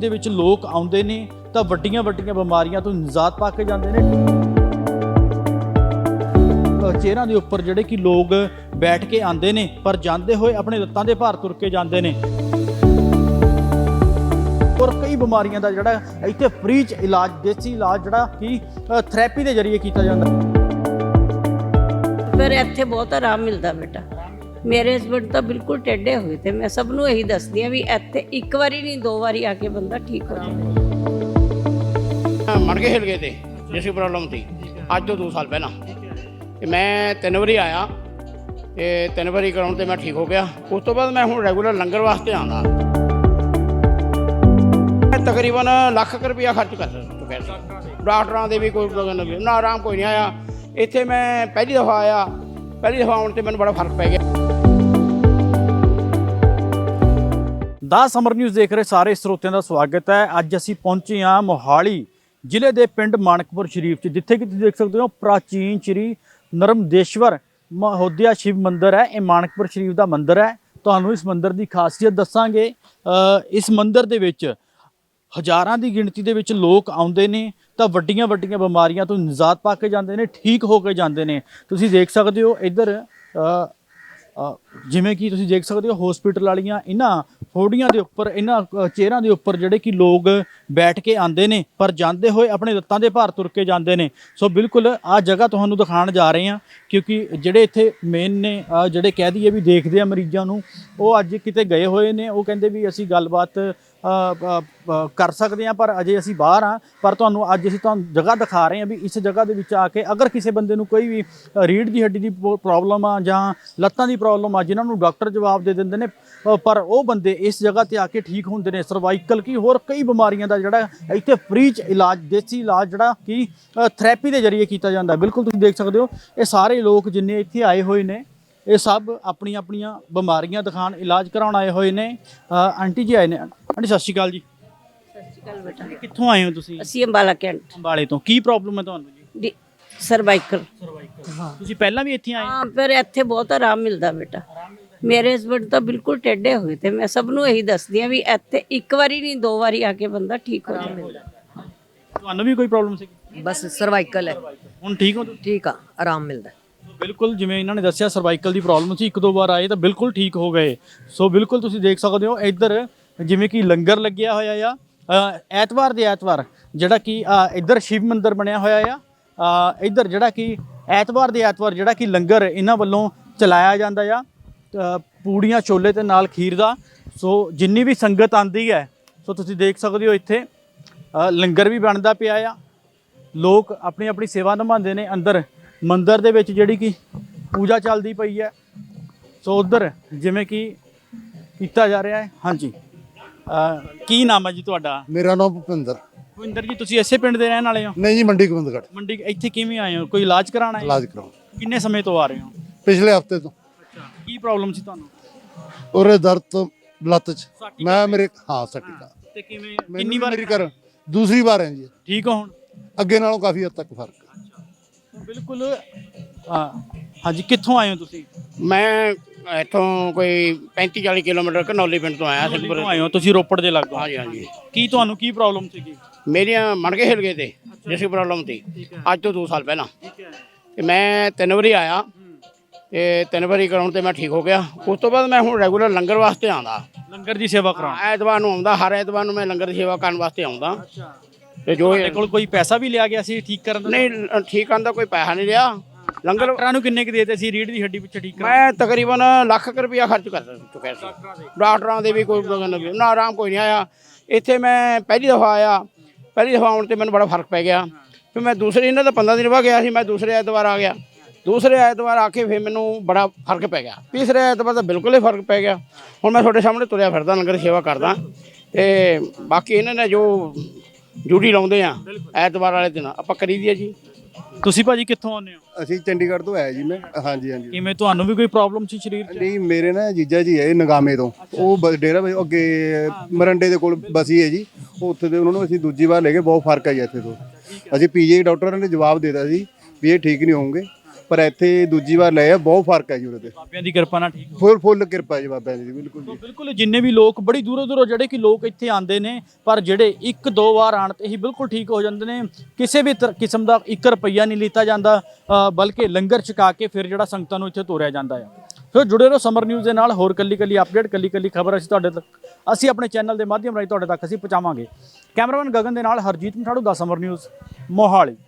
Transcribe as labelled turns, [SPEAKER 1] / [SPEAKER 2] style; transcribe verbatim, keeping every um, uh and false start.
[SPEAKER 1] ਦੇ ਵਿੱਚ ਲੋਕ ਆਉਂਦੇ ਨੇ ਤਾਂ ਵੱਡੀਆਂ ਵੱਡੀਆਂ ਬਿਮਾਰੀਆਂ ਤੋਂ ਨਿਜਾਤ ਪਾ ਕੇ ਜਾਂਦੇ ਨੇ। ਚੇਅਰਾਂ ਦੇ ਉੱਪਰ ਜਿਹੜੇ ਕਿ ਲੋਕ ਬੈਠ ਕੇ ਆਉਂਦੇ ਨੇ ਪਰ ਜਾਂਦੇ ਹੋਏ ਆਪਣੇ ਲੱਤਾਂ ਦੇ ਭਾਰ ਤੁਰ ਕੇ ਜਾਂਦੇ ਨੇ। और कई बीमारियों का जोड़ा इतने फ्री च इलाज देसी इलाज जोड़ा कि थेरेपी के जरिए किया जाता।
[SPEAKER 2] पर इत्थे बहुत आराम मिलता बेटा। मेरे हसबैंड तो बिल्कुल टेढ़े हुए थे। मैं सबनों यही दसदी भी इत्थे एक बारी नहीं दो बारी आके बंदा ठीक हो जाए।
[SPEAKER 3] मणके हिल गए थे जिसकी प्रॉब्लम थी अज तो दो साल पहला मैं तीन बारी आया ते तीन बारी कराने ते मैं ठीक हो गया। उस तो बाद मैं हुण रेगूलर लंगर वास्ते आना तकरीबन ਲੱਖ रुपया खर्च कर चुका सी। डॉक्टरों के भी कोई ना आराम कोई नहीं आया। इत्थे मैं पहली दफ़ा आया पहली दफ़ा आने से मैंने बड़ा फर्क पै गया।
[SPEAKER 1] दा समर न्यूज़ देख रहे सारे ਸਰੋਤਿਆਂ ਦਾ ਸਵਾਗਤ ਹੈ। ਅੱਜ ਅਸੀਂ ਪਹੁੰਚੇ ਹਾਂ ਮੋਹਾਲੀ ਜ਼ਿਲ੍ਹੇ ਦੇ ਪਿੰਡ ਮਾਨਕਪੁਰ ਸ਼ਰੀਫ 'ਚ, ਜਿੱਥੇ ਕਿ ਤੁਸੀਂ ਦੇਖ ਸਕਦੇ ਹੋ ਪ੍ਰਾਚੀਨ ਸ਼੍ਰੀ ਨਰਮਦੇਸ਼ਵਰ ਮਹੋਦਿਆ ਸ਼ਿਵ ਮੰਦਿਰ ਹੈ। ਇਹ ਮਾਨਕਪੁਰ ਸ਼ਰੀਫ ਦਾ ਮੰਦਿਰ ਹੈ। ਤੁਹਾਨੂੰ ਇਸ ਮੰਦਿਰ ਦੀ ਖਾਸੀਅਤ ਦੱਸਾਂਗੇ। ਇਸ ਮੰਦਿਰ ਦੇ ਵਿੱਚ ਹਜ਼ਾਰਾਂ ਦੀ ਗਿਣਤੀ ਦੇ ਵਿੱਚ ਲੋਕ ਆਉਂਦੇ ਨੇ ਤਾਂ ਵੱਡੀਆਂ ਵੱਡੀਆਂ ਬਿਮਾਰੀਆਂ ਤੋਂ ਨਿਜਾਤ ਪਾ ਕੇ ਜਾਂਦੇ ਨੇ, ਠੀਕ ਹੋ ਕੇ ਜਾਂਦੇ ਨੇ। ਤੁਸੀਂ ਦੇਖ ਸਕਦੇ ਹੋ ਇੱਧਰ ਜਿਵੇਂ ਕਿ ਤੁਸੀਂ ਦੇਖ ਸਕਦੇ ਹੋ ਹਸਪੀਟਲ ਵਾਲੀਆਂ ਇਹਨਾਂ ਫੋੜੀਆਂ ਦੇ ਉੱਪਰ, ਇਹਨਾਂ ਚੇਅਰਾਂ ਦੇ ਉੱਪਰ ਜਿਹੜੇ ਕਿ ਲੋਕ ਬੈਠ ਕੇ ਆਉਂਦੇ ਨੇ ਪਰ ਜਾਂਦੇ ਹੋਏ ਆਪਣੇ ਲੱਤਾਂ ਦੇ ਭਾਰ ਤੁਰ ਕੇ ਜਾਂਦੇ ਨੇ। ਸੋ ਬਿਲਕੁਲ ਆਹ ਜਗ੍ਹਾ ਤੁਹਾਨੂੰ ਦਿਖਾਉਣ ਜਾ ਰਹੇ ਹਾਂ ਕਿਉਂਕਿ ਜਿਹੜੇ ਇੱਥੇ ਮੇਨ ਨੇ ਜਿਹੜੇ ਕਹਿ ਦਈਏ ਵੀ ਦੇਖਦੇ ਆ ਮਰੀਜ਼ਾਂ ਨੂੰ, ਉਹ ਅੱਜ ਕਿਤੇ ਗਏ ਹੋਏ ਨੇ। ਉਹ ਕਹਿੰਦੇ ਵੀ ਅਸੀਂ ਗੱਲਬਾਤ ਕਰ ਸਕਦੇ ਹਾਂ ਪਰ ਅਜੇ ਅਸੀਂ ਬਾਹਰ ਹਾਂ। ਪਰ ਤੁਹਾਨੂੰ ਅੱਜ ਅਸੀਂ ਤੁਹਾਨੂੰ ਜਗ੍ਹਾ ਦਿਖਾ ਰਹੇ ਹਾਂ ਵੀ ਇਸ ਜਗ੍ਹਾ ਦੇ ਵਿੱਚ ਆ ਕੇ ਅਗਰ ਕਿਸੇ ਬੰਦੇ ਨੂੰ ਕੋਈ ਵੀ ਰੀੜ੍ਹ ਦੀ ਹੱਡੀ ਦੀ ਪ੍ਰੋਬਲਮ ਆ ਜਾਂ ਲੱਤਾਂ ਦੀ ਪ੍ਰੋਬਲਮ ਆ ਜਿਨ੍ਹਾਂ ਨੂੰ ਡਾਕਟਰ ਜਵਾਬ ਦੇ ਦਿੰਦੇ ਨੇ, ਪਰ ਉਹ ਬੰਦੇ ਇਸ ਜਗ੍ਹਾ ਤੇ ਆ ਕੇ ਠੀਕ ਹੁੰਦੇ ਨੇ। ਸਰਵਾਈਕਲ ਕੀ ਹੋਰ ਕਈ ਬਿਮਾਰੀਆਂ ਦਾ ਜਿਹੜਾ ਇੱਥੇ ਫ੍ਰੀ ਚ ਇਲਾਜ, ਦੇਸੀ ਇਲਾਜ ਜਿਹੜਾ ਕਿ ਥੈਰੇਪੀ ਦੇ ਜਰੀਏ ਕੀਤਾ ਜਾਂਦਾ। ਬਿਲਕੁਲ ਤੁਸੀਂ ਦੇਖ ਸਕਦੇ ਹੋ ਇਹ ਸਾਰੇ ਲੋਕ ਜਿੰਨੇ ਇੱਥੇ ਆਏ ਹੋਏ ਨੇ ਇਹ ਸਭ ਆਪਣੀਆਂ ਆਪਣੀਆਂ ਬਿਮਾਰੀਆਂ ਦਿਖਾਉਣ, ਇਲਾਜ ਕਰਾਉਣ ਆਏ ਹੋਏ ਨੇ। ਆਂਟੀ ਜੀ ਆਏ ਨੇ। ਆਂਟੀ ਸਤਿ ਸ਼੍ਰੀ ਅਕਾਲ ਜੀ।
[SPEAKER 2] ਸਤਿ ਸ਼੍ਰੀ ਅਕਾਲ ਬੇਟਾ।
[SPEAKER 1] ਕਿੱਥੋਂ ਆਏ ਹੋ ਤੁਸੀਂ?
[SPEAKER 2] ਅਸੀਂ ਅੰਬਾਲਾ ਕੈਂਟ।
[SPEAKER 1] ਅੰਬਾਲੇ ਤੋਂ। ਕੀ ਪ੍ਰੋਬਲਮ ਹੈ ਤੁਹਾਨੂੰ ਜੀ?
[SPEAKER 2] ਸਰਵਾਈਕਲ।
[SPEAKER 1] ਸਰਵਾਈਕਲ। ਹਾਂ, ਤੁਸੀਂ ਪਹਿਲਾਂ ਵੀ ਇੱਥੇ ਆਏ?
[SPEAKER 2] ਹਾਂ, ਪਰ ਇੱਥੇ ਬਹੁਤ ਆਰਾਮ ਮਿਲਦਾ ਬੇਟਾ। ਮੇਰੇ ਹਸਬੈਂਡ ਤਾਂ ਬਿਲਕੁਲ ਟੇਢੇ ਹੋਏ थे। मैं सबनों यही दसदी भी ਇੱਥੇ ਇੱਕ ਵਾਰੀ ਨਹੀਂ ਦੋ ਵਾਰੀ ਆ ਕੇ ਬੰਦਾ ਠੀਕ ਹੋ ਜਾਂਦਾ।
[SPEAKER 1] ਤੁਹਾਨੂੰ ਵੀ ਕੋਈ ਪ੍ਰੋਬਲਮ ਸੀ?
[SPEAKER 4] बस सर्वाइकल है।
[SPEAKER 1] ਹੁਣ ਠੀਕ ਹੋ?
[SPEAKER 4] ठीक है, आराम मिलता है।
[SPEAKER 1] ਬਿਲਕੁਲ ਜਿਵੇਂ ਇਹਨਾਂ ਨੇ ਦੱਸਿਆ ਸਰਵਾਈਕਲ ਦੀ ਪ੍ਰੋਬਲਮ ਸੀ, ਇੱਕ ਦੋ ਵਾਰ ਆਏ ਤਾਂ ਬਿਲਕੁਲ ਠੀਕ ਹੋ ਗਏ। ਸੋ ਬਿਲਕੁਲ ਤੁਸੀਂ ਦੇਖ ਸਕਦੇ ਹੋ ਇੱਧਰ ਜਿਵੇਂ ਕਿ ਲੰਗਰ ਲੱਗਿਆ ਹੋਇਆ ਆ ਐਤਵਾਰ ਦੇ ਐਤਵਾਰ, ਜਿਹੜਾ ਕਿ ਇੱਧਰ ਸ਼ਿਵ ਮੰਦਿਰ ਬਣਿਆ ਹੋਇਆ ਆ। ਇੱਧਰ ਜਿਹੜਾ ਕਿ ਐਤਵਾਰ ਦੇ ਐਤਵਾਰ ਜਿਹੜਾ ਕਿ ਲੰਗਰ ਇਹਨਾਂ ਵੱਲੋਂ ਚਲਾਇਆ ਜਾਂਦਾ ਆ, ਪੂੜੀਆਂ ਛੋਲੇ ਤੇ ਨਾਲ ਖੀਰ ਦਾ। ਸੋ ਜਿੰਨੀ ਵੀ ਸੰਗਤ ਆਉਂਦੀ ਹੈ ਸੋ ਤੁਸੀਂ ਦੇਖ ਸਕਦੇ ਹੋ ਇੱਥੇ ਲੰਗਰ ਵੀ ਬਣਦਾ ਪਿਆ ਆ। ਲੋਕ ਆਪਣੀ ਆਪਣੀ ਸੇਵਾ ਨਿਭਾਉਂਦੇ ਨੇ। ਅੰਦਰ ਮੰਦਿਰ ਦੇ ਵਿੱਚ ਜਿਹੜੀ ਕਿ ਪੂਜਾ ਚੱਲਦੀ ਪਈ ਹੈ। ਸੋ ਉੱਧਰ ਜਿਵੇਂ ਕਿ ਕੀਤਾ ਜਾ ਰਿਹਾ ਹੈ। ਹਾਂਜੀ, ਕੀ ਨਾਮ ਹੈ ਜੀ ਤੁਹਾਡਾ?
[SPEAKER 5] ਮੇਰਾ ਨਾਮ ਭੁਪਿੰਦਰ।
[SPEAKER 1] ਭੁਪਿੰਦਰ ਜੀ, ਤੁਸੀਂ ਇਸੇ ਪਿੰਡ ਦੇ ਰਹਿਣ ਵਾਲੇ ਹੋ?
[SPEAKER 5] ਨਹੀਂ ਜੀ, ਮੰਡੀ ਗੋਬਿੰਦਗੜ੍ਹ।
[SPEAKER 1] ਮੰਡੀ। ਇੱਥੇ ਕਿਵੇਂ ਆਏ ਹੋ? ਕੋਈ ਇਲਾਜ ਕਰਾਉਣਾ ਹੈ?
[SPEAKER 5] ਇਲਾਜ ਕਰਾਉਣ।
[SPEAKER 1] ਕਿੰਨੇ ਸਮੇਂ ਤੋਂ ਆ ਰਹੇ ਹੋ?
[SPEAKER 5] ਪਿਛਲੇ ਹਫਤੇ ਤੋਂ।
[SPEAKER 1] ਅੱਛਾ, ਕੀ ਪ੍ਰੋਬਲਮ ਸੀ ਤੁਹਾਨੂੰ?
[SPEAKER 5] ਉਹਰੇ ਦਰਦ ਤੋਂ ਲੱਤ 'ਚ। ਮੈਂ ਮੇਰੇ ਹਾਂ ਸੱਟਿਕਾ।
[SPEAKER 1] ਤੇ ਕਿਵੇਂ ਕਿੰਨੀ ਵਾਰ
[SPEAKER 5] ਮੇਰੀ ਕਰ ਦੂਸਰੀ ਵਾਰ ਹੈ ਜੀ।
[SPEAKER 1] ਠੀਕ ਹੋ ਹੁਣ?
[SPEAKER 5] ਅੱਗੇ ਨਾਲੋਂ ਕਾਫੀ ਹੱਦ ਤੱਕ ਫਰਕ ਹੈ।
[SPEAKER 1] ਬਿਲਕੁਲ। ਹਾਂ ਹਾਂਜੀ, ਕਿੱਥੋਂ ਆਏ ਹੋ ਤੁਸੀਂ?
[SPEAKER 3] मैं इतों कोई पैंती चाली किलोमीटर घनौली पिंड तो आया।
[SPEAKER 1] ਕਿੱਥੋਂ ਆਏ ਹੋ ਤੁਸੀਂ? ਰੋਪੜ ਦੇ ਲਾਗੋਂ।
[SPEAKER 3] हाँ जी हाँ जी।
[SPEAKER 1] ਕੀ ਤੁਹਾਨੂੰ ਕੀ ਪ੍ਰੋਬਲਮ ਸੀਗੀ?
[SPEAKER 3] मेरिया मणके हिल गए थे जिसकी प्रॉब्लम थी अज तो दो साल पहला मैं तीन बारी आया ते तीन बारी कराने ते मैं ठीक हो गया। उस तो बाद मैं हुण रेगूलर लंगर वास्ते आंदा।
[SPEAKER 1] ਲੰਗਰ ਦੀ ਸੇਵਾ ਕਰਾਉਣ?
[SPEAKER 3] ਐਤਵਾਰ ਨੂੰ ਆਉਂਦਾ, ਹਰ ਐਤਵਾਰ ਨੂੰ ਮੈਂ ਲੰਗਰ ਦੀ ਸੇਵਾ ਕਰਨ ਵਾਸਤੇ ਆਉਂਦਾ। ਤੇ ਜੋ
[SPEAKER 1] ਤੁਹਾਡੇ ਕੋਲ ਕੋਈ ਪੈਸਾ ਵੀ ਲਿਆ ਗਿਆ ਸੀ ਠੀਕ ਕਰਨ ਦਾ?
[SPEAKER 3] ਨਹੀਂ, ਠੀਕ ਆਂਦਾ ਕੋਈ ਪੈਸਾ ਨਹੀਂ ਲਿਆ। ਲੰਗਰ
[SPEAKER 1] ਡਾਕਟਰਾਂ ਨੂੰ ਕਿੰਨੇ ਕੁ ਦੇਤੇ ਸੀ ਰੀੜ੍ਹ ਦੀ ਹੱਡੀ ਪਿੱਛੇ ਠੀਕ ਕਰਨ?
[SPEAKER 3] ਮੈਂ ਤਕਰੀਬਨ ਲੱਖ ਰੁਪਇਆ ਖਰਚ ਕਰ ਚੁੱਕਿਆ ਸੀ। ਡਾਕਟਰਾਂ ਦੇ ਵੀ ਕੋਈ ਨਾ ਆਰਾਮ ਕੋਈ ਨਹੀਂ ਆਇਆ। ਇੱਥੇ ਮੈਂ ਪਹਿਲੀ ਦਫ਼ਾ ਆਇਆ ਪਹਿਲੀ ਦਫ਼ਾ ਆਉਣ 'ਤੇ ਮੈਨੂੰ ਬੜਾ ਫਰਕ ਪੈ ਗਿਆ। ਫਿਰ ਮੈਂ ਦੂਸਰੇ, ਇਹਨਾਂ ਦਾ ਪੰਦਰਾਂ ਦਿਨ ਬਾਅਦ ਗਿਆ ਸੀ, ਮੈਂ ਦੂਸਰੇ ਐਤਵਾਰ ਆ ਗਿਆ। ਦੂਸਰੇ ਐਤਵਾਰ ਆ ਕੇ ਫਿਰ ਮੈਨੂੰ ਬੜਾ ਫਰਕ ਪੈ ਗਿਆ। ਤੀਸਰੇ ਐਤਵਾਰ ਤਾਂ ਬਿਲਕੁਲ ਹੀ ਫਰਕ ਪੈ ਗਿਆ। ਹੁਣ ਮੈਂ ਤੁਹਾਡੇ ਸਾਹਮਣੇ ਤੁਰਿਆ ਫਿਰਦਾ, ਲੰਗਰ ਸੇਵਾ ਕਰਦਾ। ਅਤੇ ਬਾਕੀ ਇਹਨਾਂ ਨੇ ਜੋ ਡਿਊਟੀ ਲਾਉਂਦੇ ਆ ਐਤਵਾਰ ਵਾਲੇ ਦਿਨ ਆਪਾਂ ਕਰੀ ਦੀ ਆ ਜੀ।
[SPEAKER 1] ਤੁਸੀਂ ਭਾਜੀ ਕਿੱਥੋਂ ਆਉਂਦੇ ਹੋ?
[SPEAKER 5] ਅਸੀਂ ਚੰਡੀਗੜ੍ਹ ਤੋਂ ਆਏ ਜੀ। ਮੈਂ ਹਾਂਜੀ ਹਾਂਜੀ।
[SPEAKER 1] ਕਿਵੇਂ ਤੁਹਾਨੂੰ ਵੀ ਕੋਈ ਪ੍ਰੋਬਲਮ ਸੀ ਸਰੀਰ 'ਚ?
[SPEAKER 5] ਨਹੀਂ, ਮੇਰੇ ਨਾ ਜੀਜਾ ਜੀ ਹੈ ਨਗਾਮੇ ਤੋਂ। ਉਹ ਬ- ਡੇਰਾ ਬਾਈ ਅੱਗੇ ਮਰੰਡੇ ਦੇ ਕੋਲ ਬਸੀ ਹੈ ਜੀ। ਉਹ ਉੱਥੇ ਦੇ ਉਹਨਾਂ ਨੂੰ ਅਸੀਂ ਦੂਜੀ ਵਾਰ ਲੈ ਗਏ। ਬਹੁਤ ਫਰਕ ਹੈ ਜੀ ਇੱਥੇ ਤੋਂ। ਅਸੀਂ ਪੀਜੀ ਡਾਕਟਰਾਂ ਨੇ ਜਵਾਬ ਦੇ ਦਿੱਤਾ ਸੀ ਵੀ ਇਹ ਠੀਕ ਨਹੀਂ ਹੋਣਗੇ। ਪਰ ਇੱਥੇ ਦੂਜੀ ਵਾਰ ਲਏ ਆ, ਬਹੁਤ ਫਰਕ ਹੈ ਜੀ ਉਹਦੇ ਤੇ।
[SPEAKER 1] ਬਾਬਿਆਂ ਦੀ ਕਿਰਪਾ ਨਾਲ ਠੀਕ ਹੋ
[SPEAKER 5] ਫੁੱਲ ਫੁੱਲ ਕਿਰਪਾ ਜੀ ਬਾਬਿਆਂ ਦੀ, ਬਿਲਕੁਲ ਜੀ।
[SPEAKER 1] ਬਿਲਕੁਲ ਜਿੰਨੇ ਵੀ ਲੋਕ ਬੜੀ ਦੂਰੋਂ ਦੂਰੋਂ ਜਿਹੜੇ ਕਿ ਲੋਕ ਇੱਥੇ ਆਉਂਦੇ ਨੇ, ਪਰ ਜਿਹੜੇ ਇੱਕ ਦੋ ਵਾਰ ਆਣ ਤੇ ਹੀ ਬਿਲਕੁਲ ਠੀਕ ਹੋ ਜਾਂਦੇ ਨੇ। ਕਿਸੇ ਵੀ ਤਰ- ਕਿਸਮ ਦਾ ਇੱਕ ਰੁਪਈਆ ਨਹੀਂ ਲਿੱਤਾ ਜਾਂਦਾ, ਅ, ਬਲਕਿ ਲੰਗਰ ਛਕਾ ਕੇ ਫਿਰ ਜਿਹੜਾ ਸੰਗਤਾਂ ਨੂੰ ਇੱਥੇ ਤੋਰਿਆ ਜਾਂਦਾ ਹੈ। ਸੋ ਜੁੜੇ ਰਹੋ ਸਮਰ ਨਿਊਜ਼ ਦੇ ਨਾਲ, ਹੋਰ ਕੱਲੀ ਕੱਲੀ ਅਪਡੇਟ, ਕੱਲੀ ਕੱਲੀ ਖਬਰ ਅਸੀਂ ਤੁਹਾਡੇ ਤੱਕ ਅਸੀਂ ਆਪਣੇ ਚੈਨਲ ਦੇ ਮਾਧਿਅਮ ਰਾਹੀਂ ਤੁਹਾਡੇ ਤੱਕ ਅਸੀਂ ਪਹੁੰਚਾਵਾਂਗੇ। ਕੈਮਰਾਮੈਨ ਗਗਨ ਦੇ ਨਾਲ ਹਰਜੀਤ ਮਠਾੜੂ ਦਾ ਸਮਰ ਨਿਊਜ਼ ਮੋਹਾਲੀ।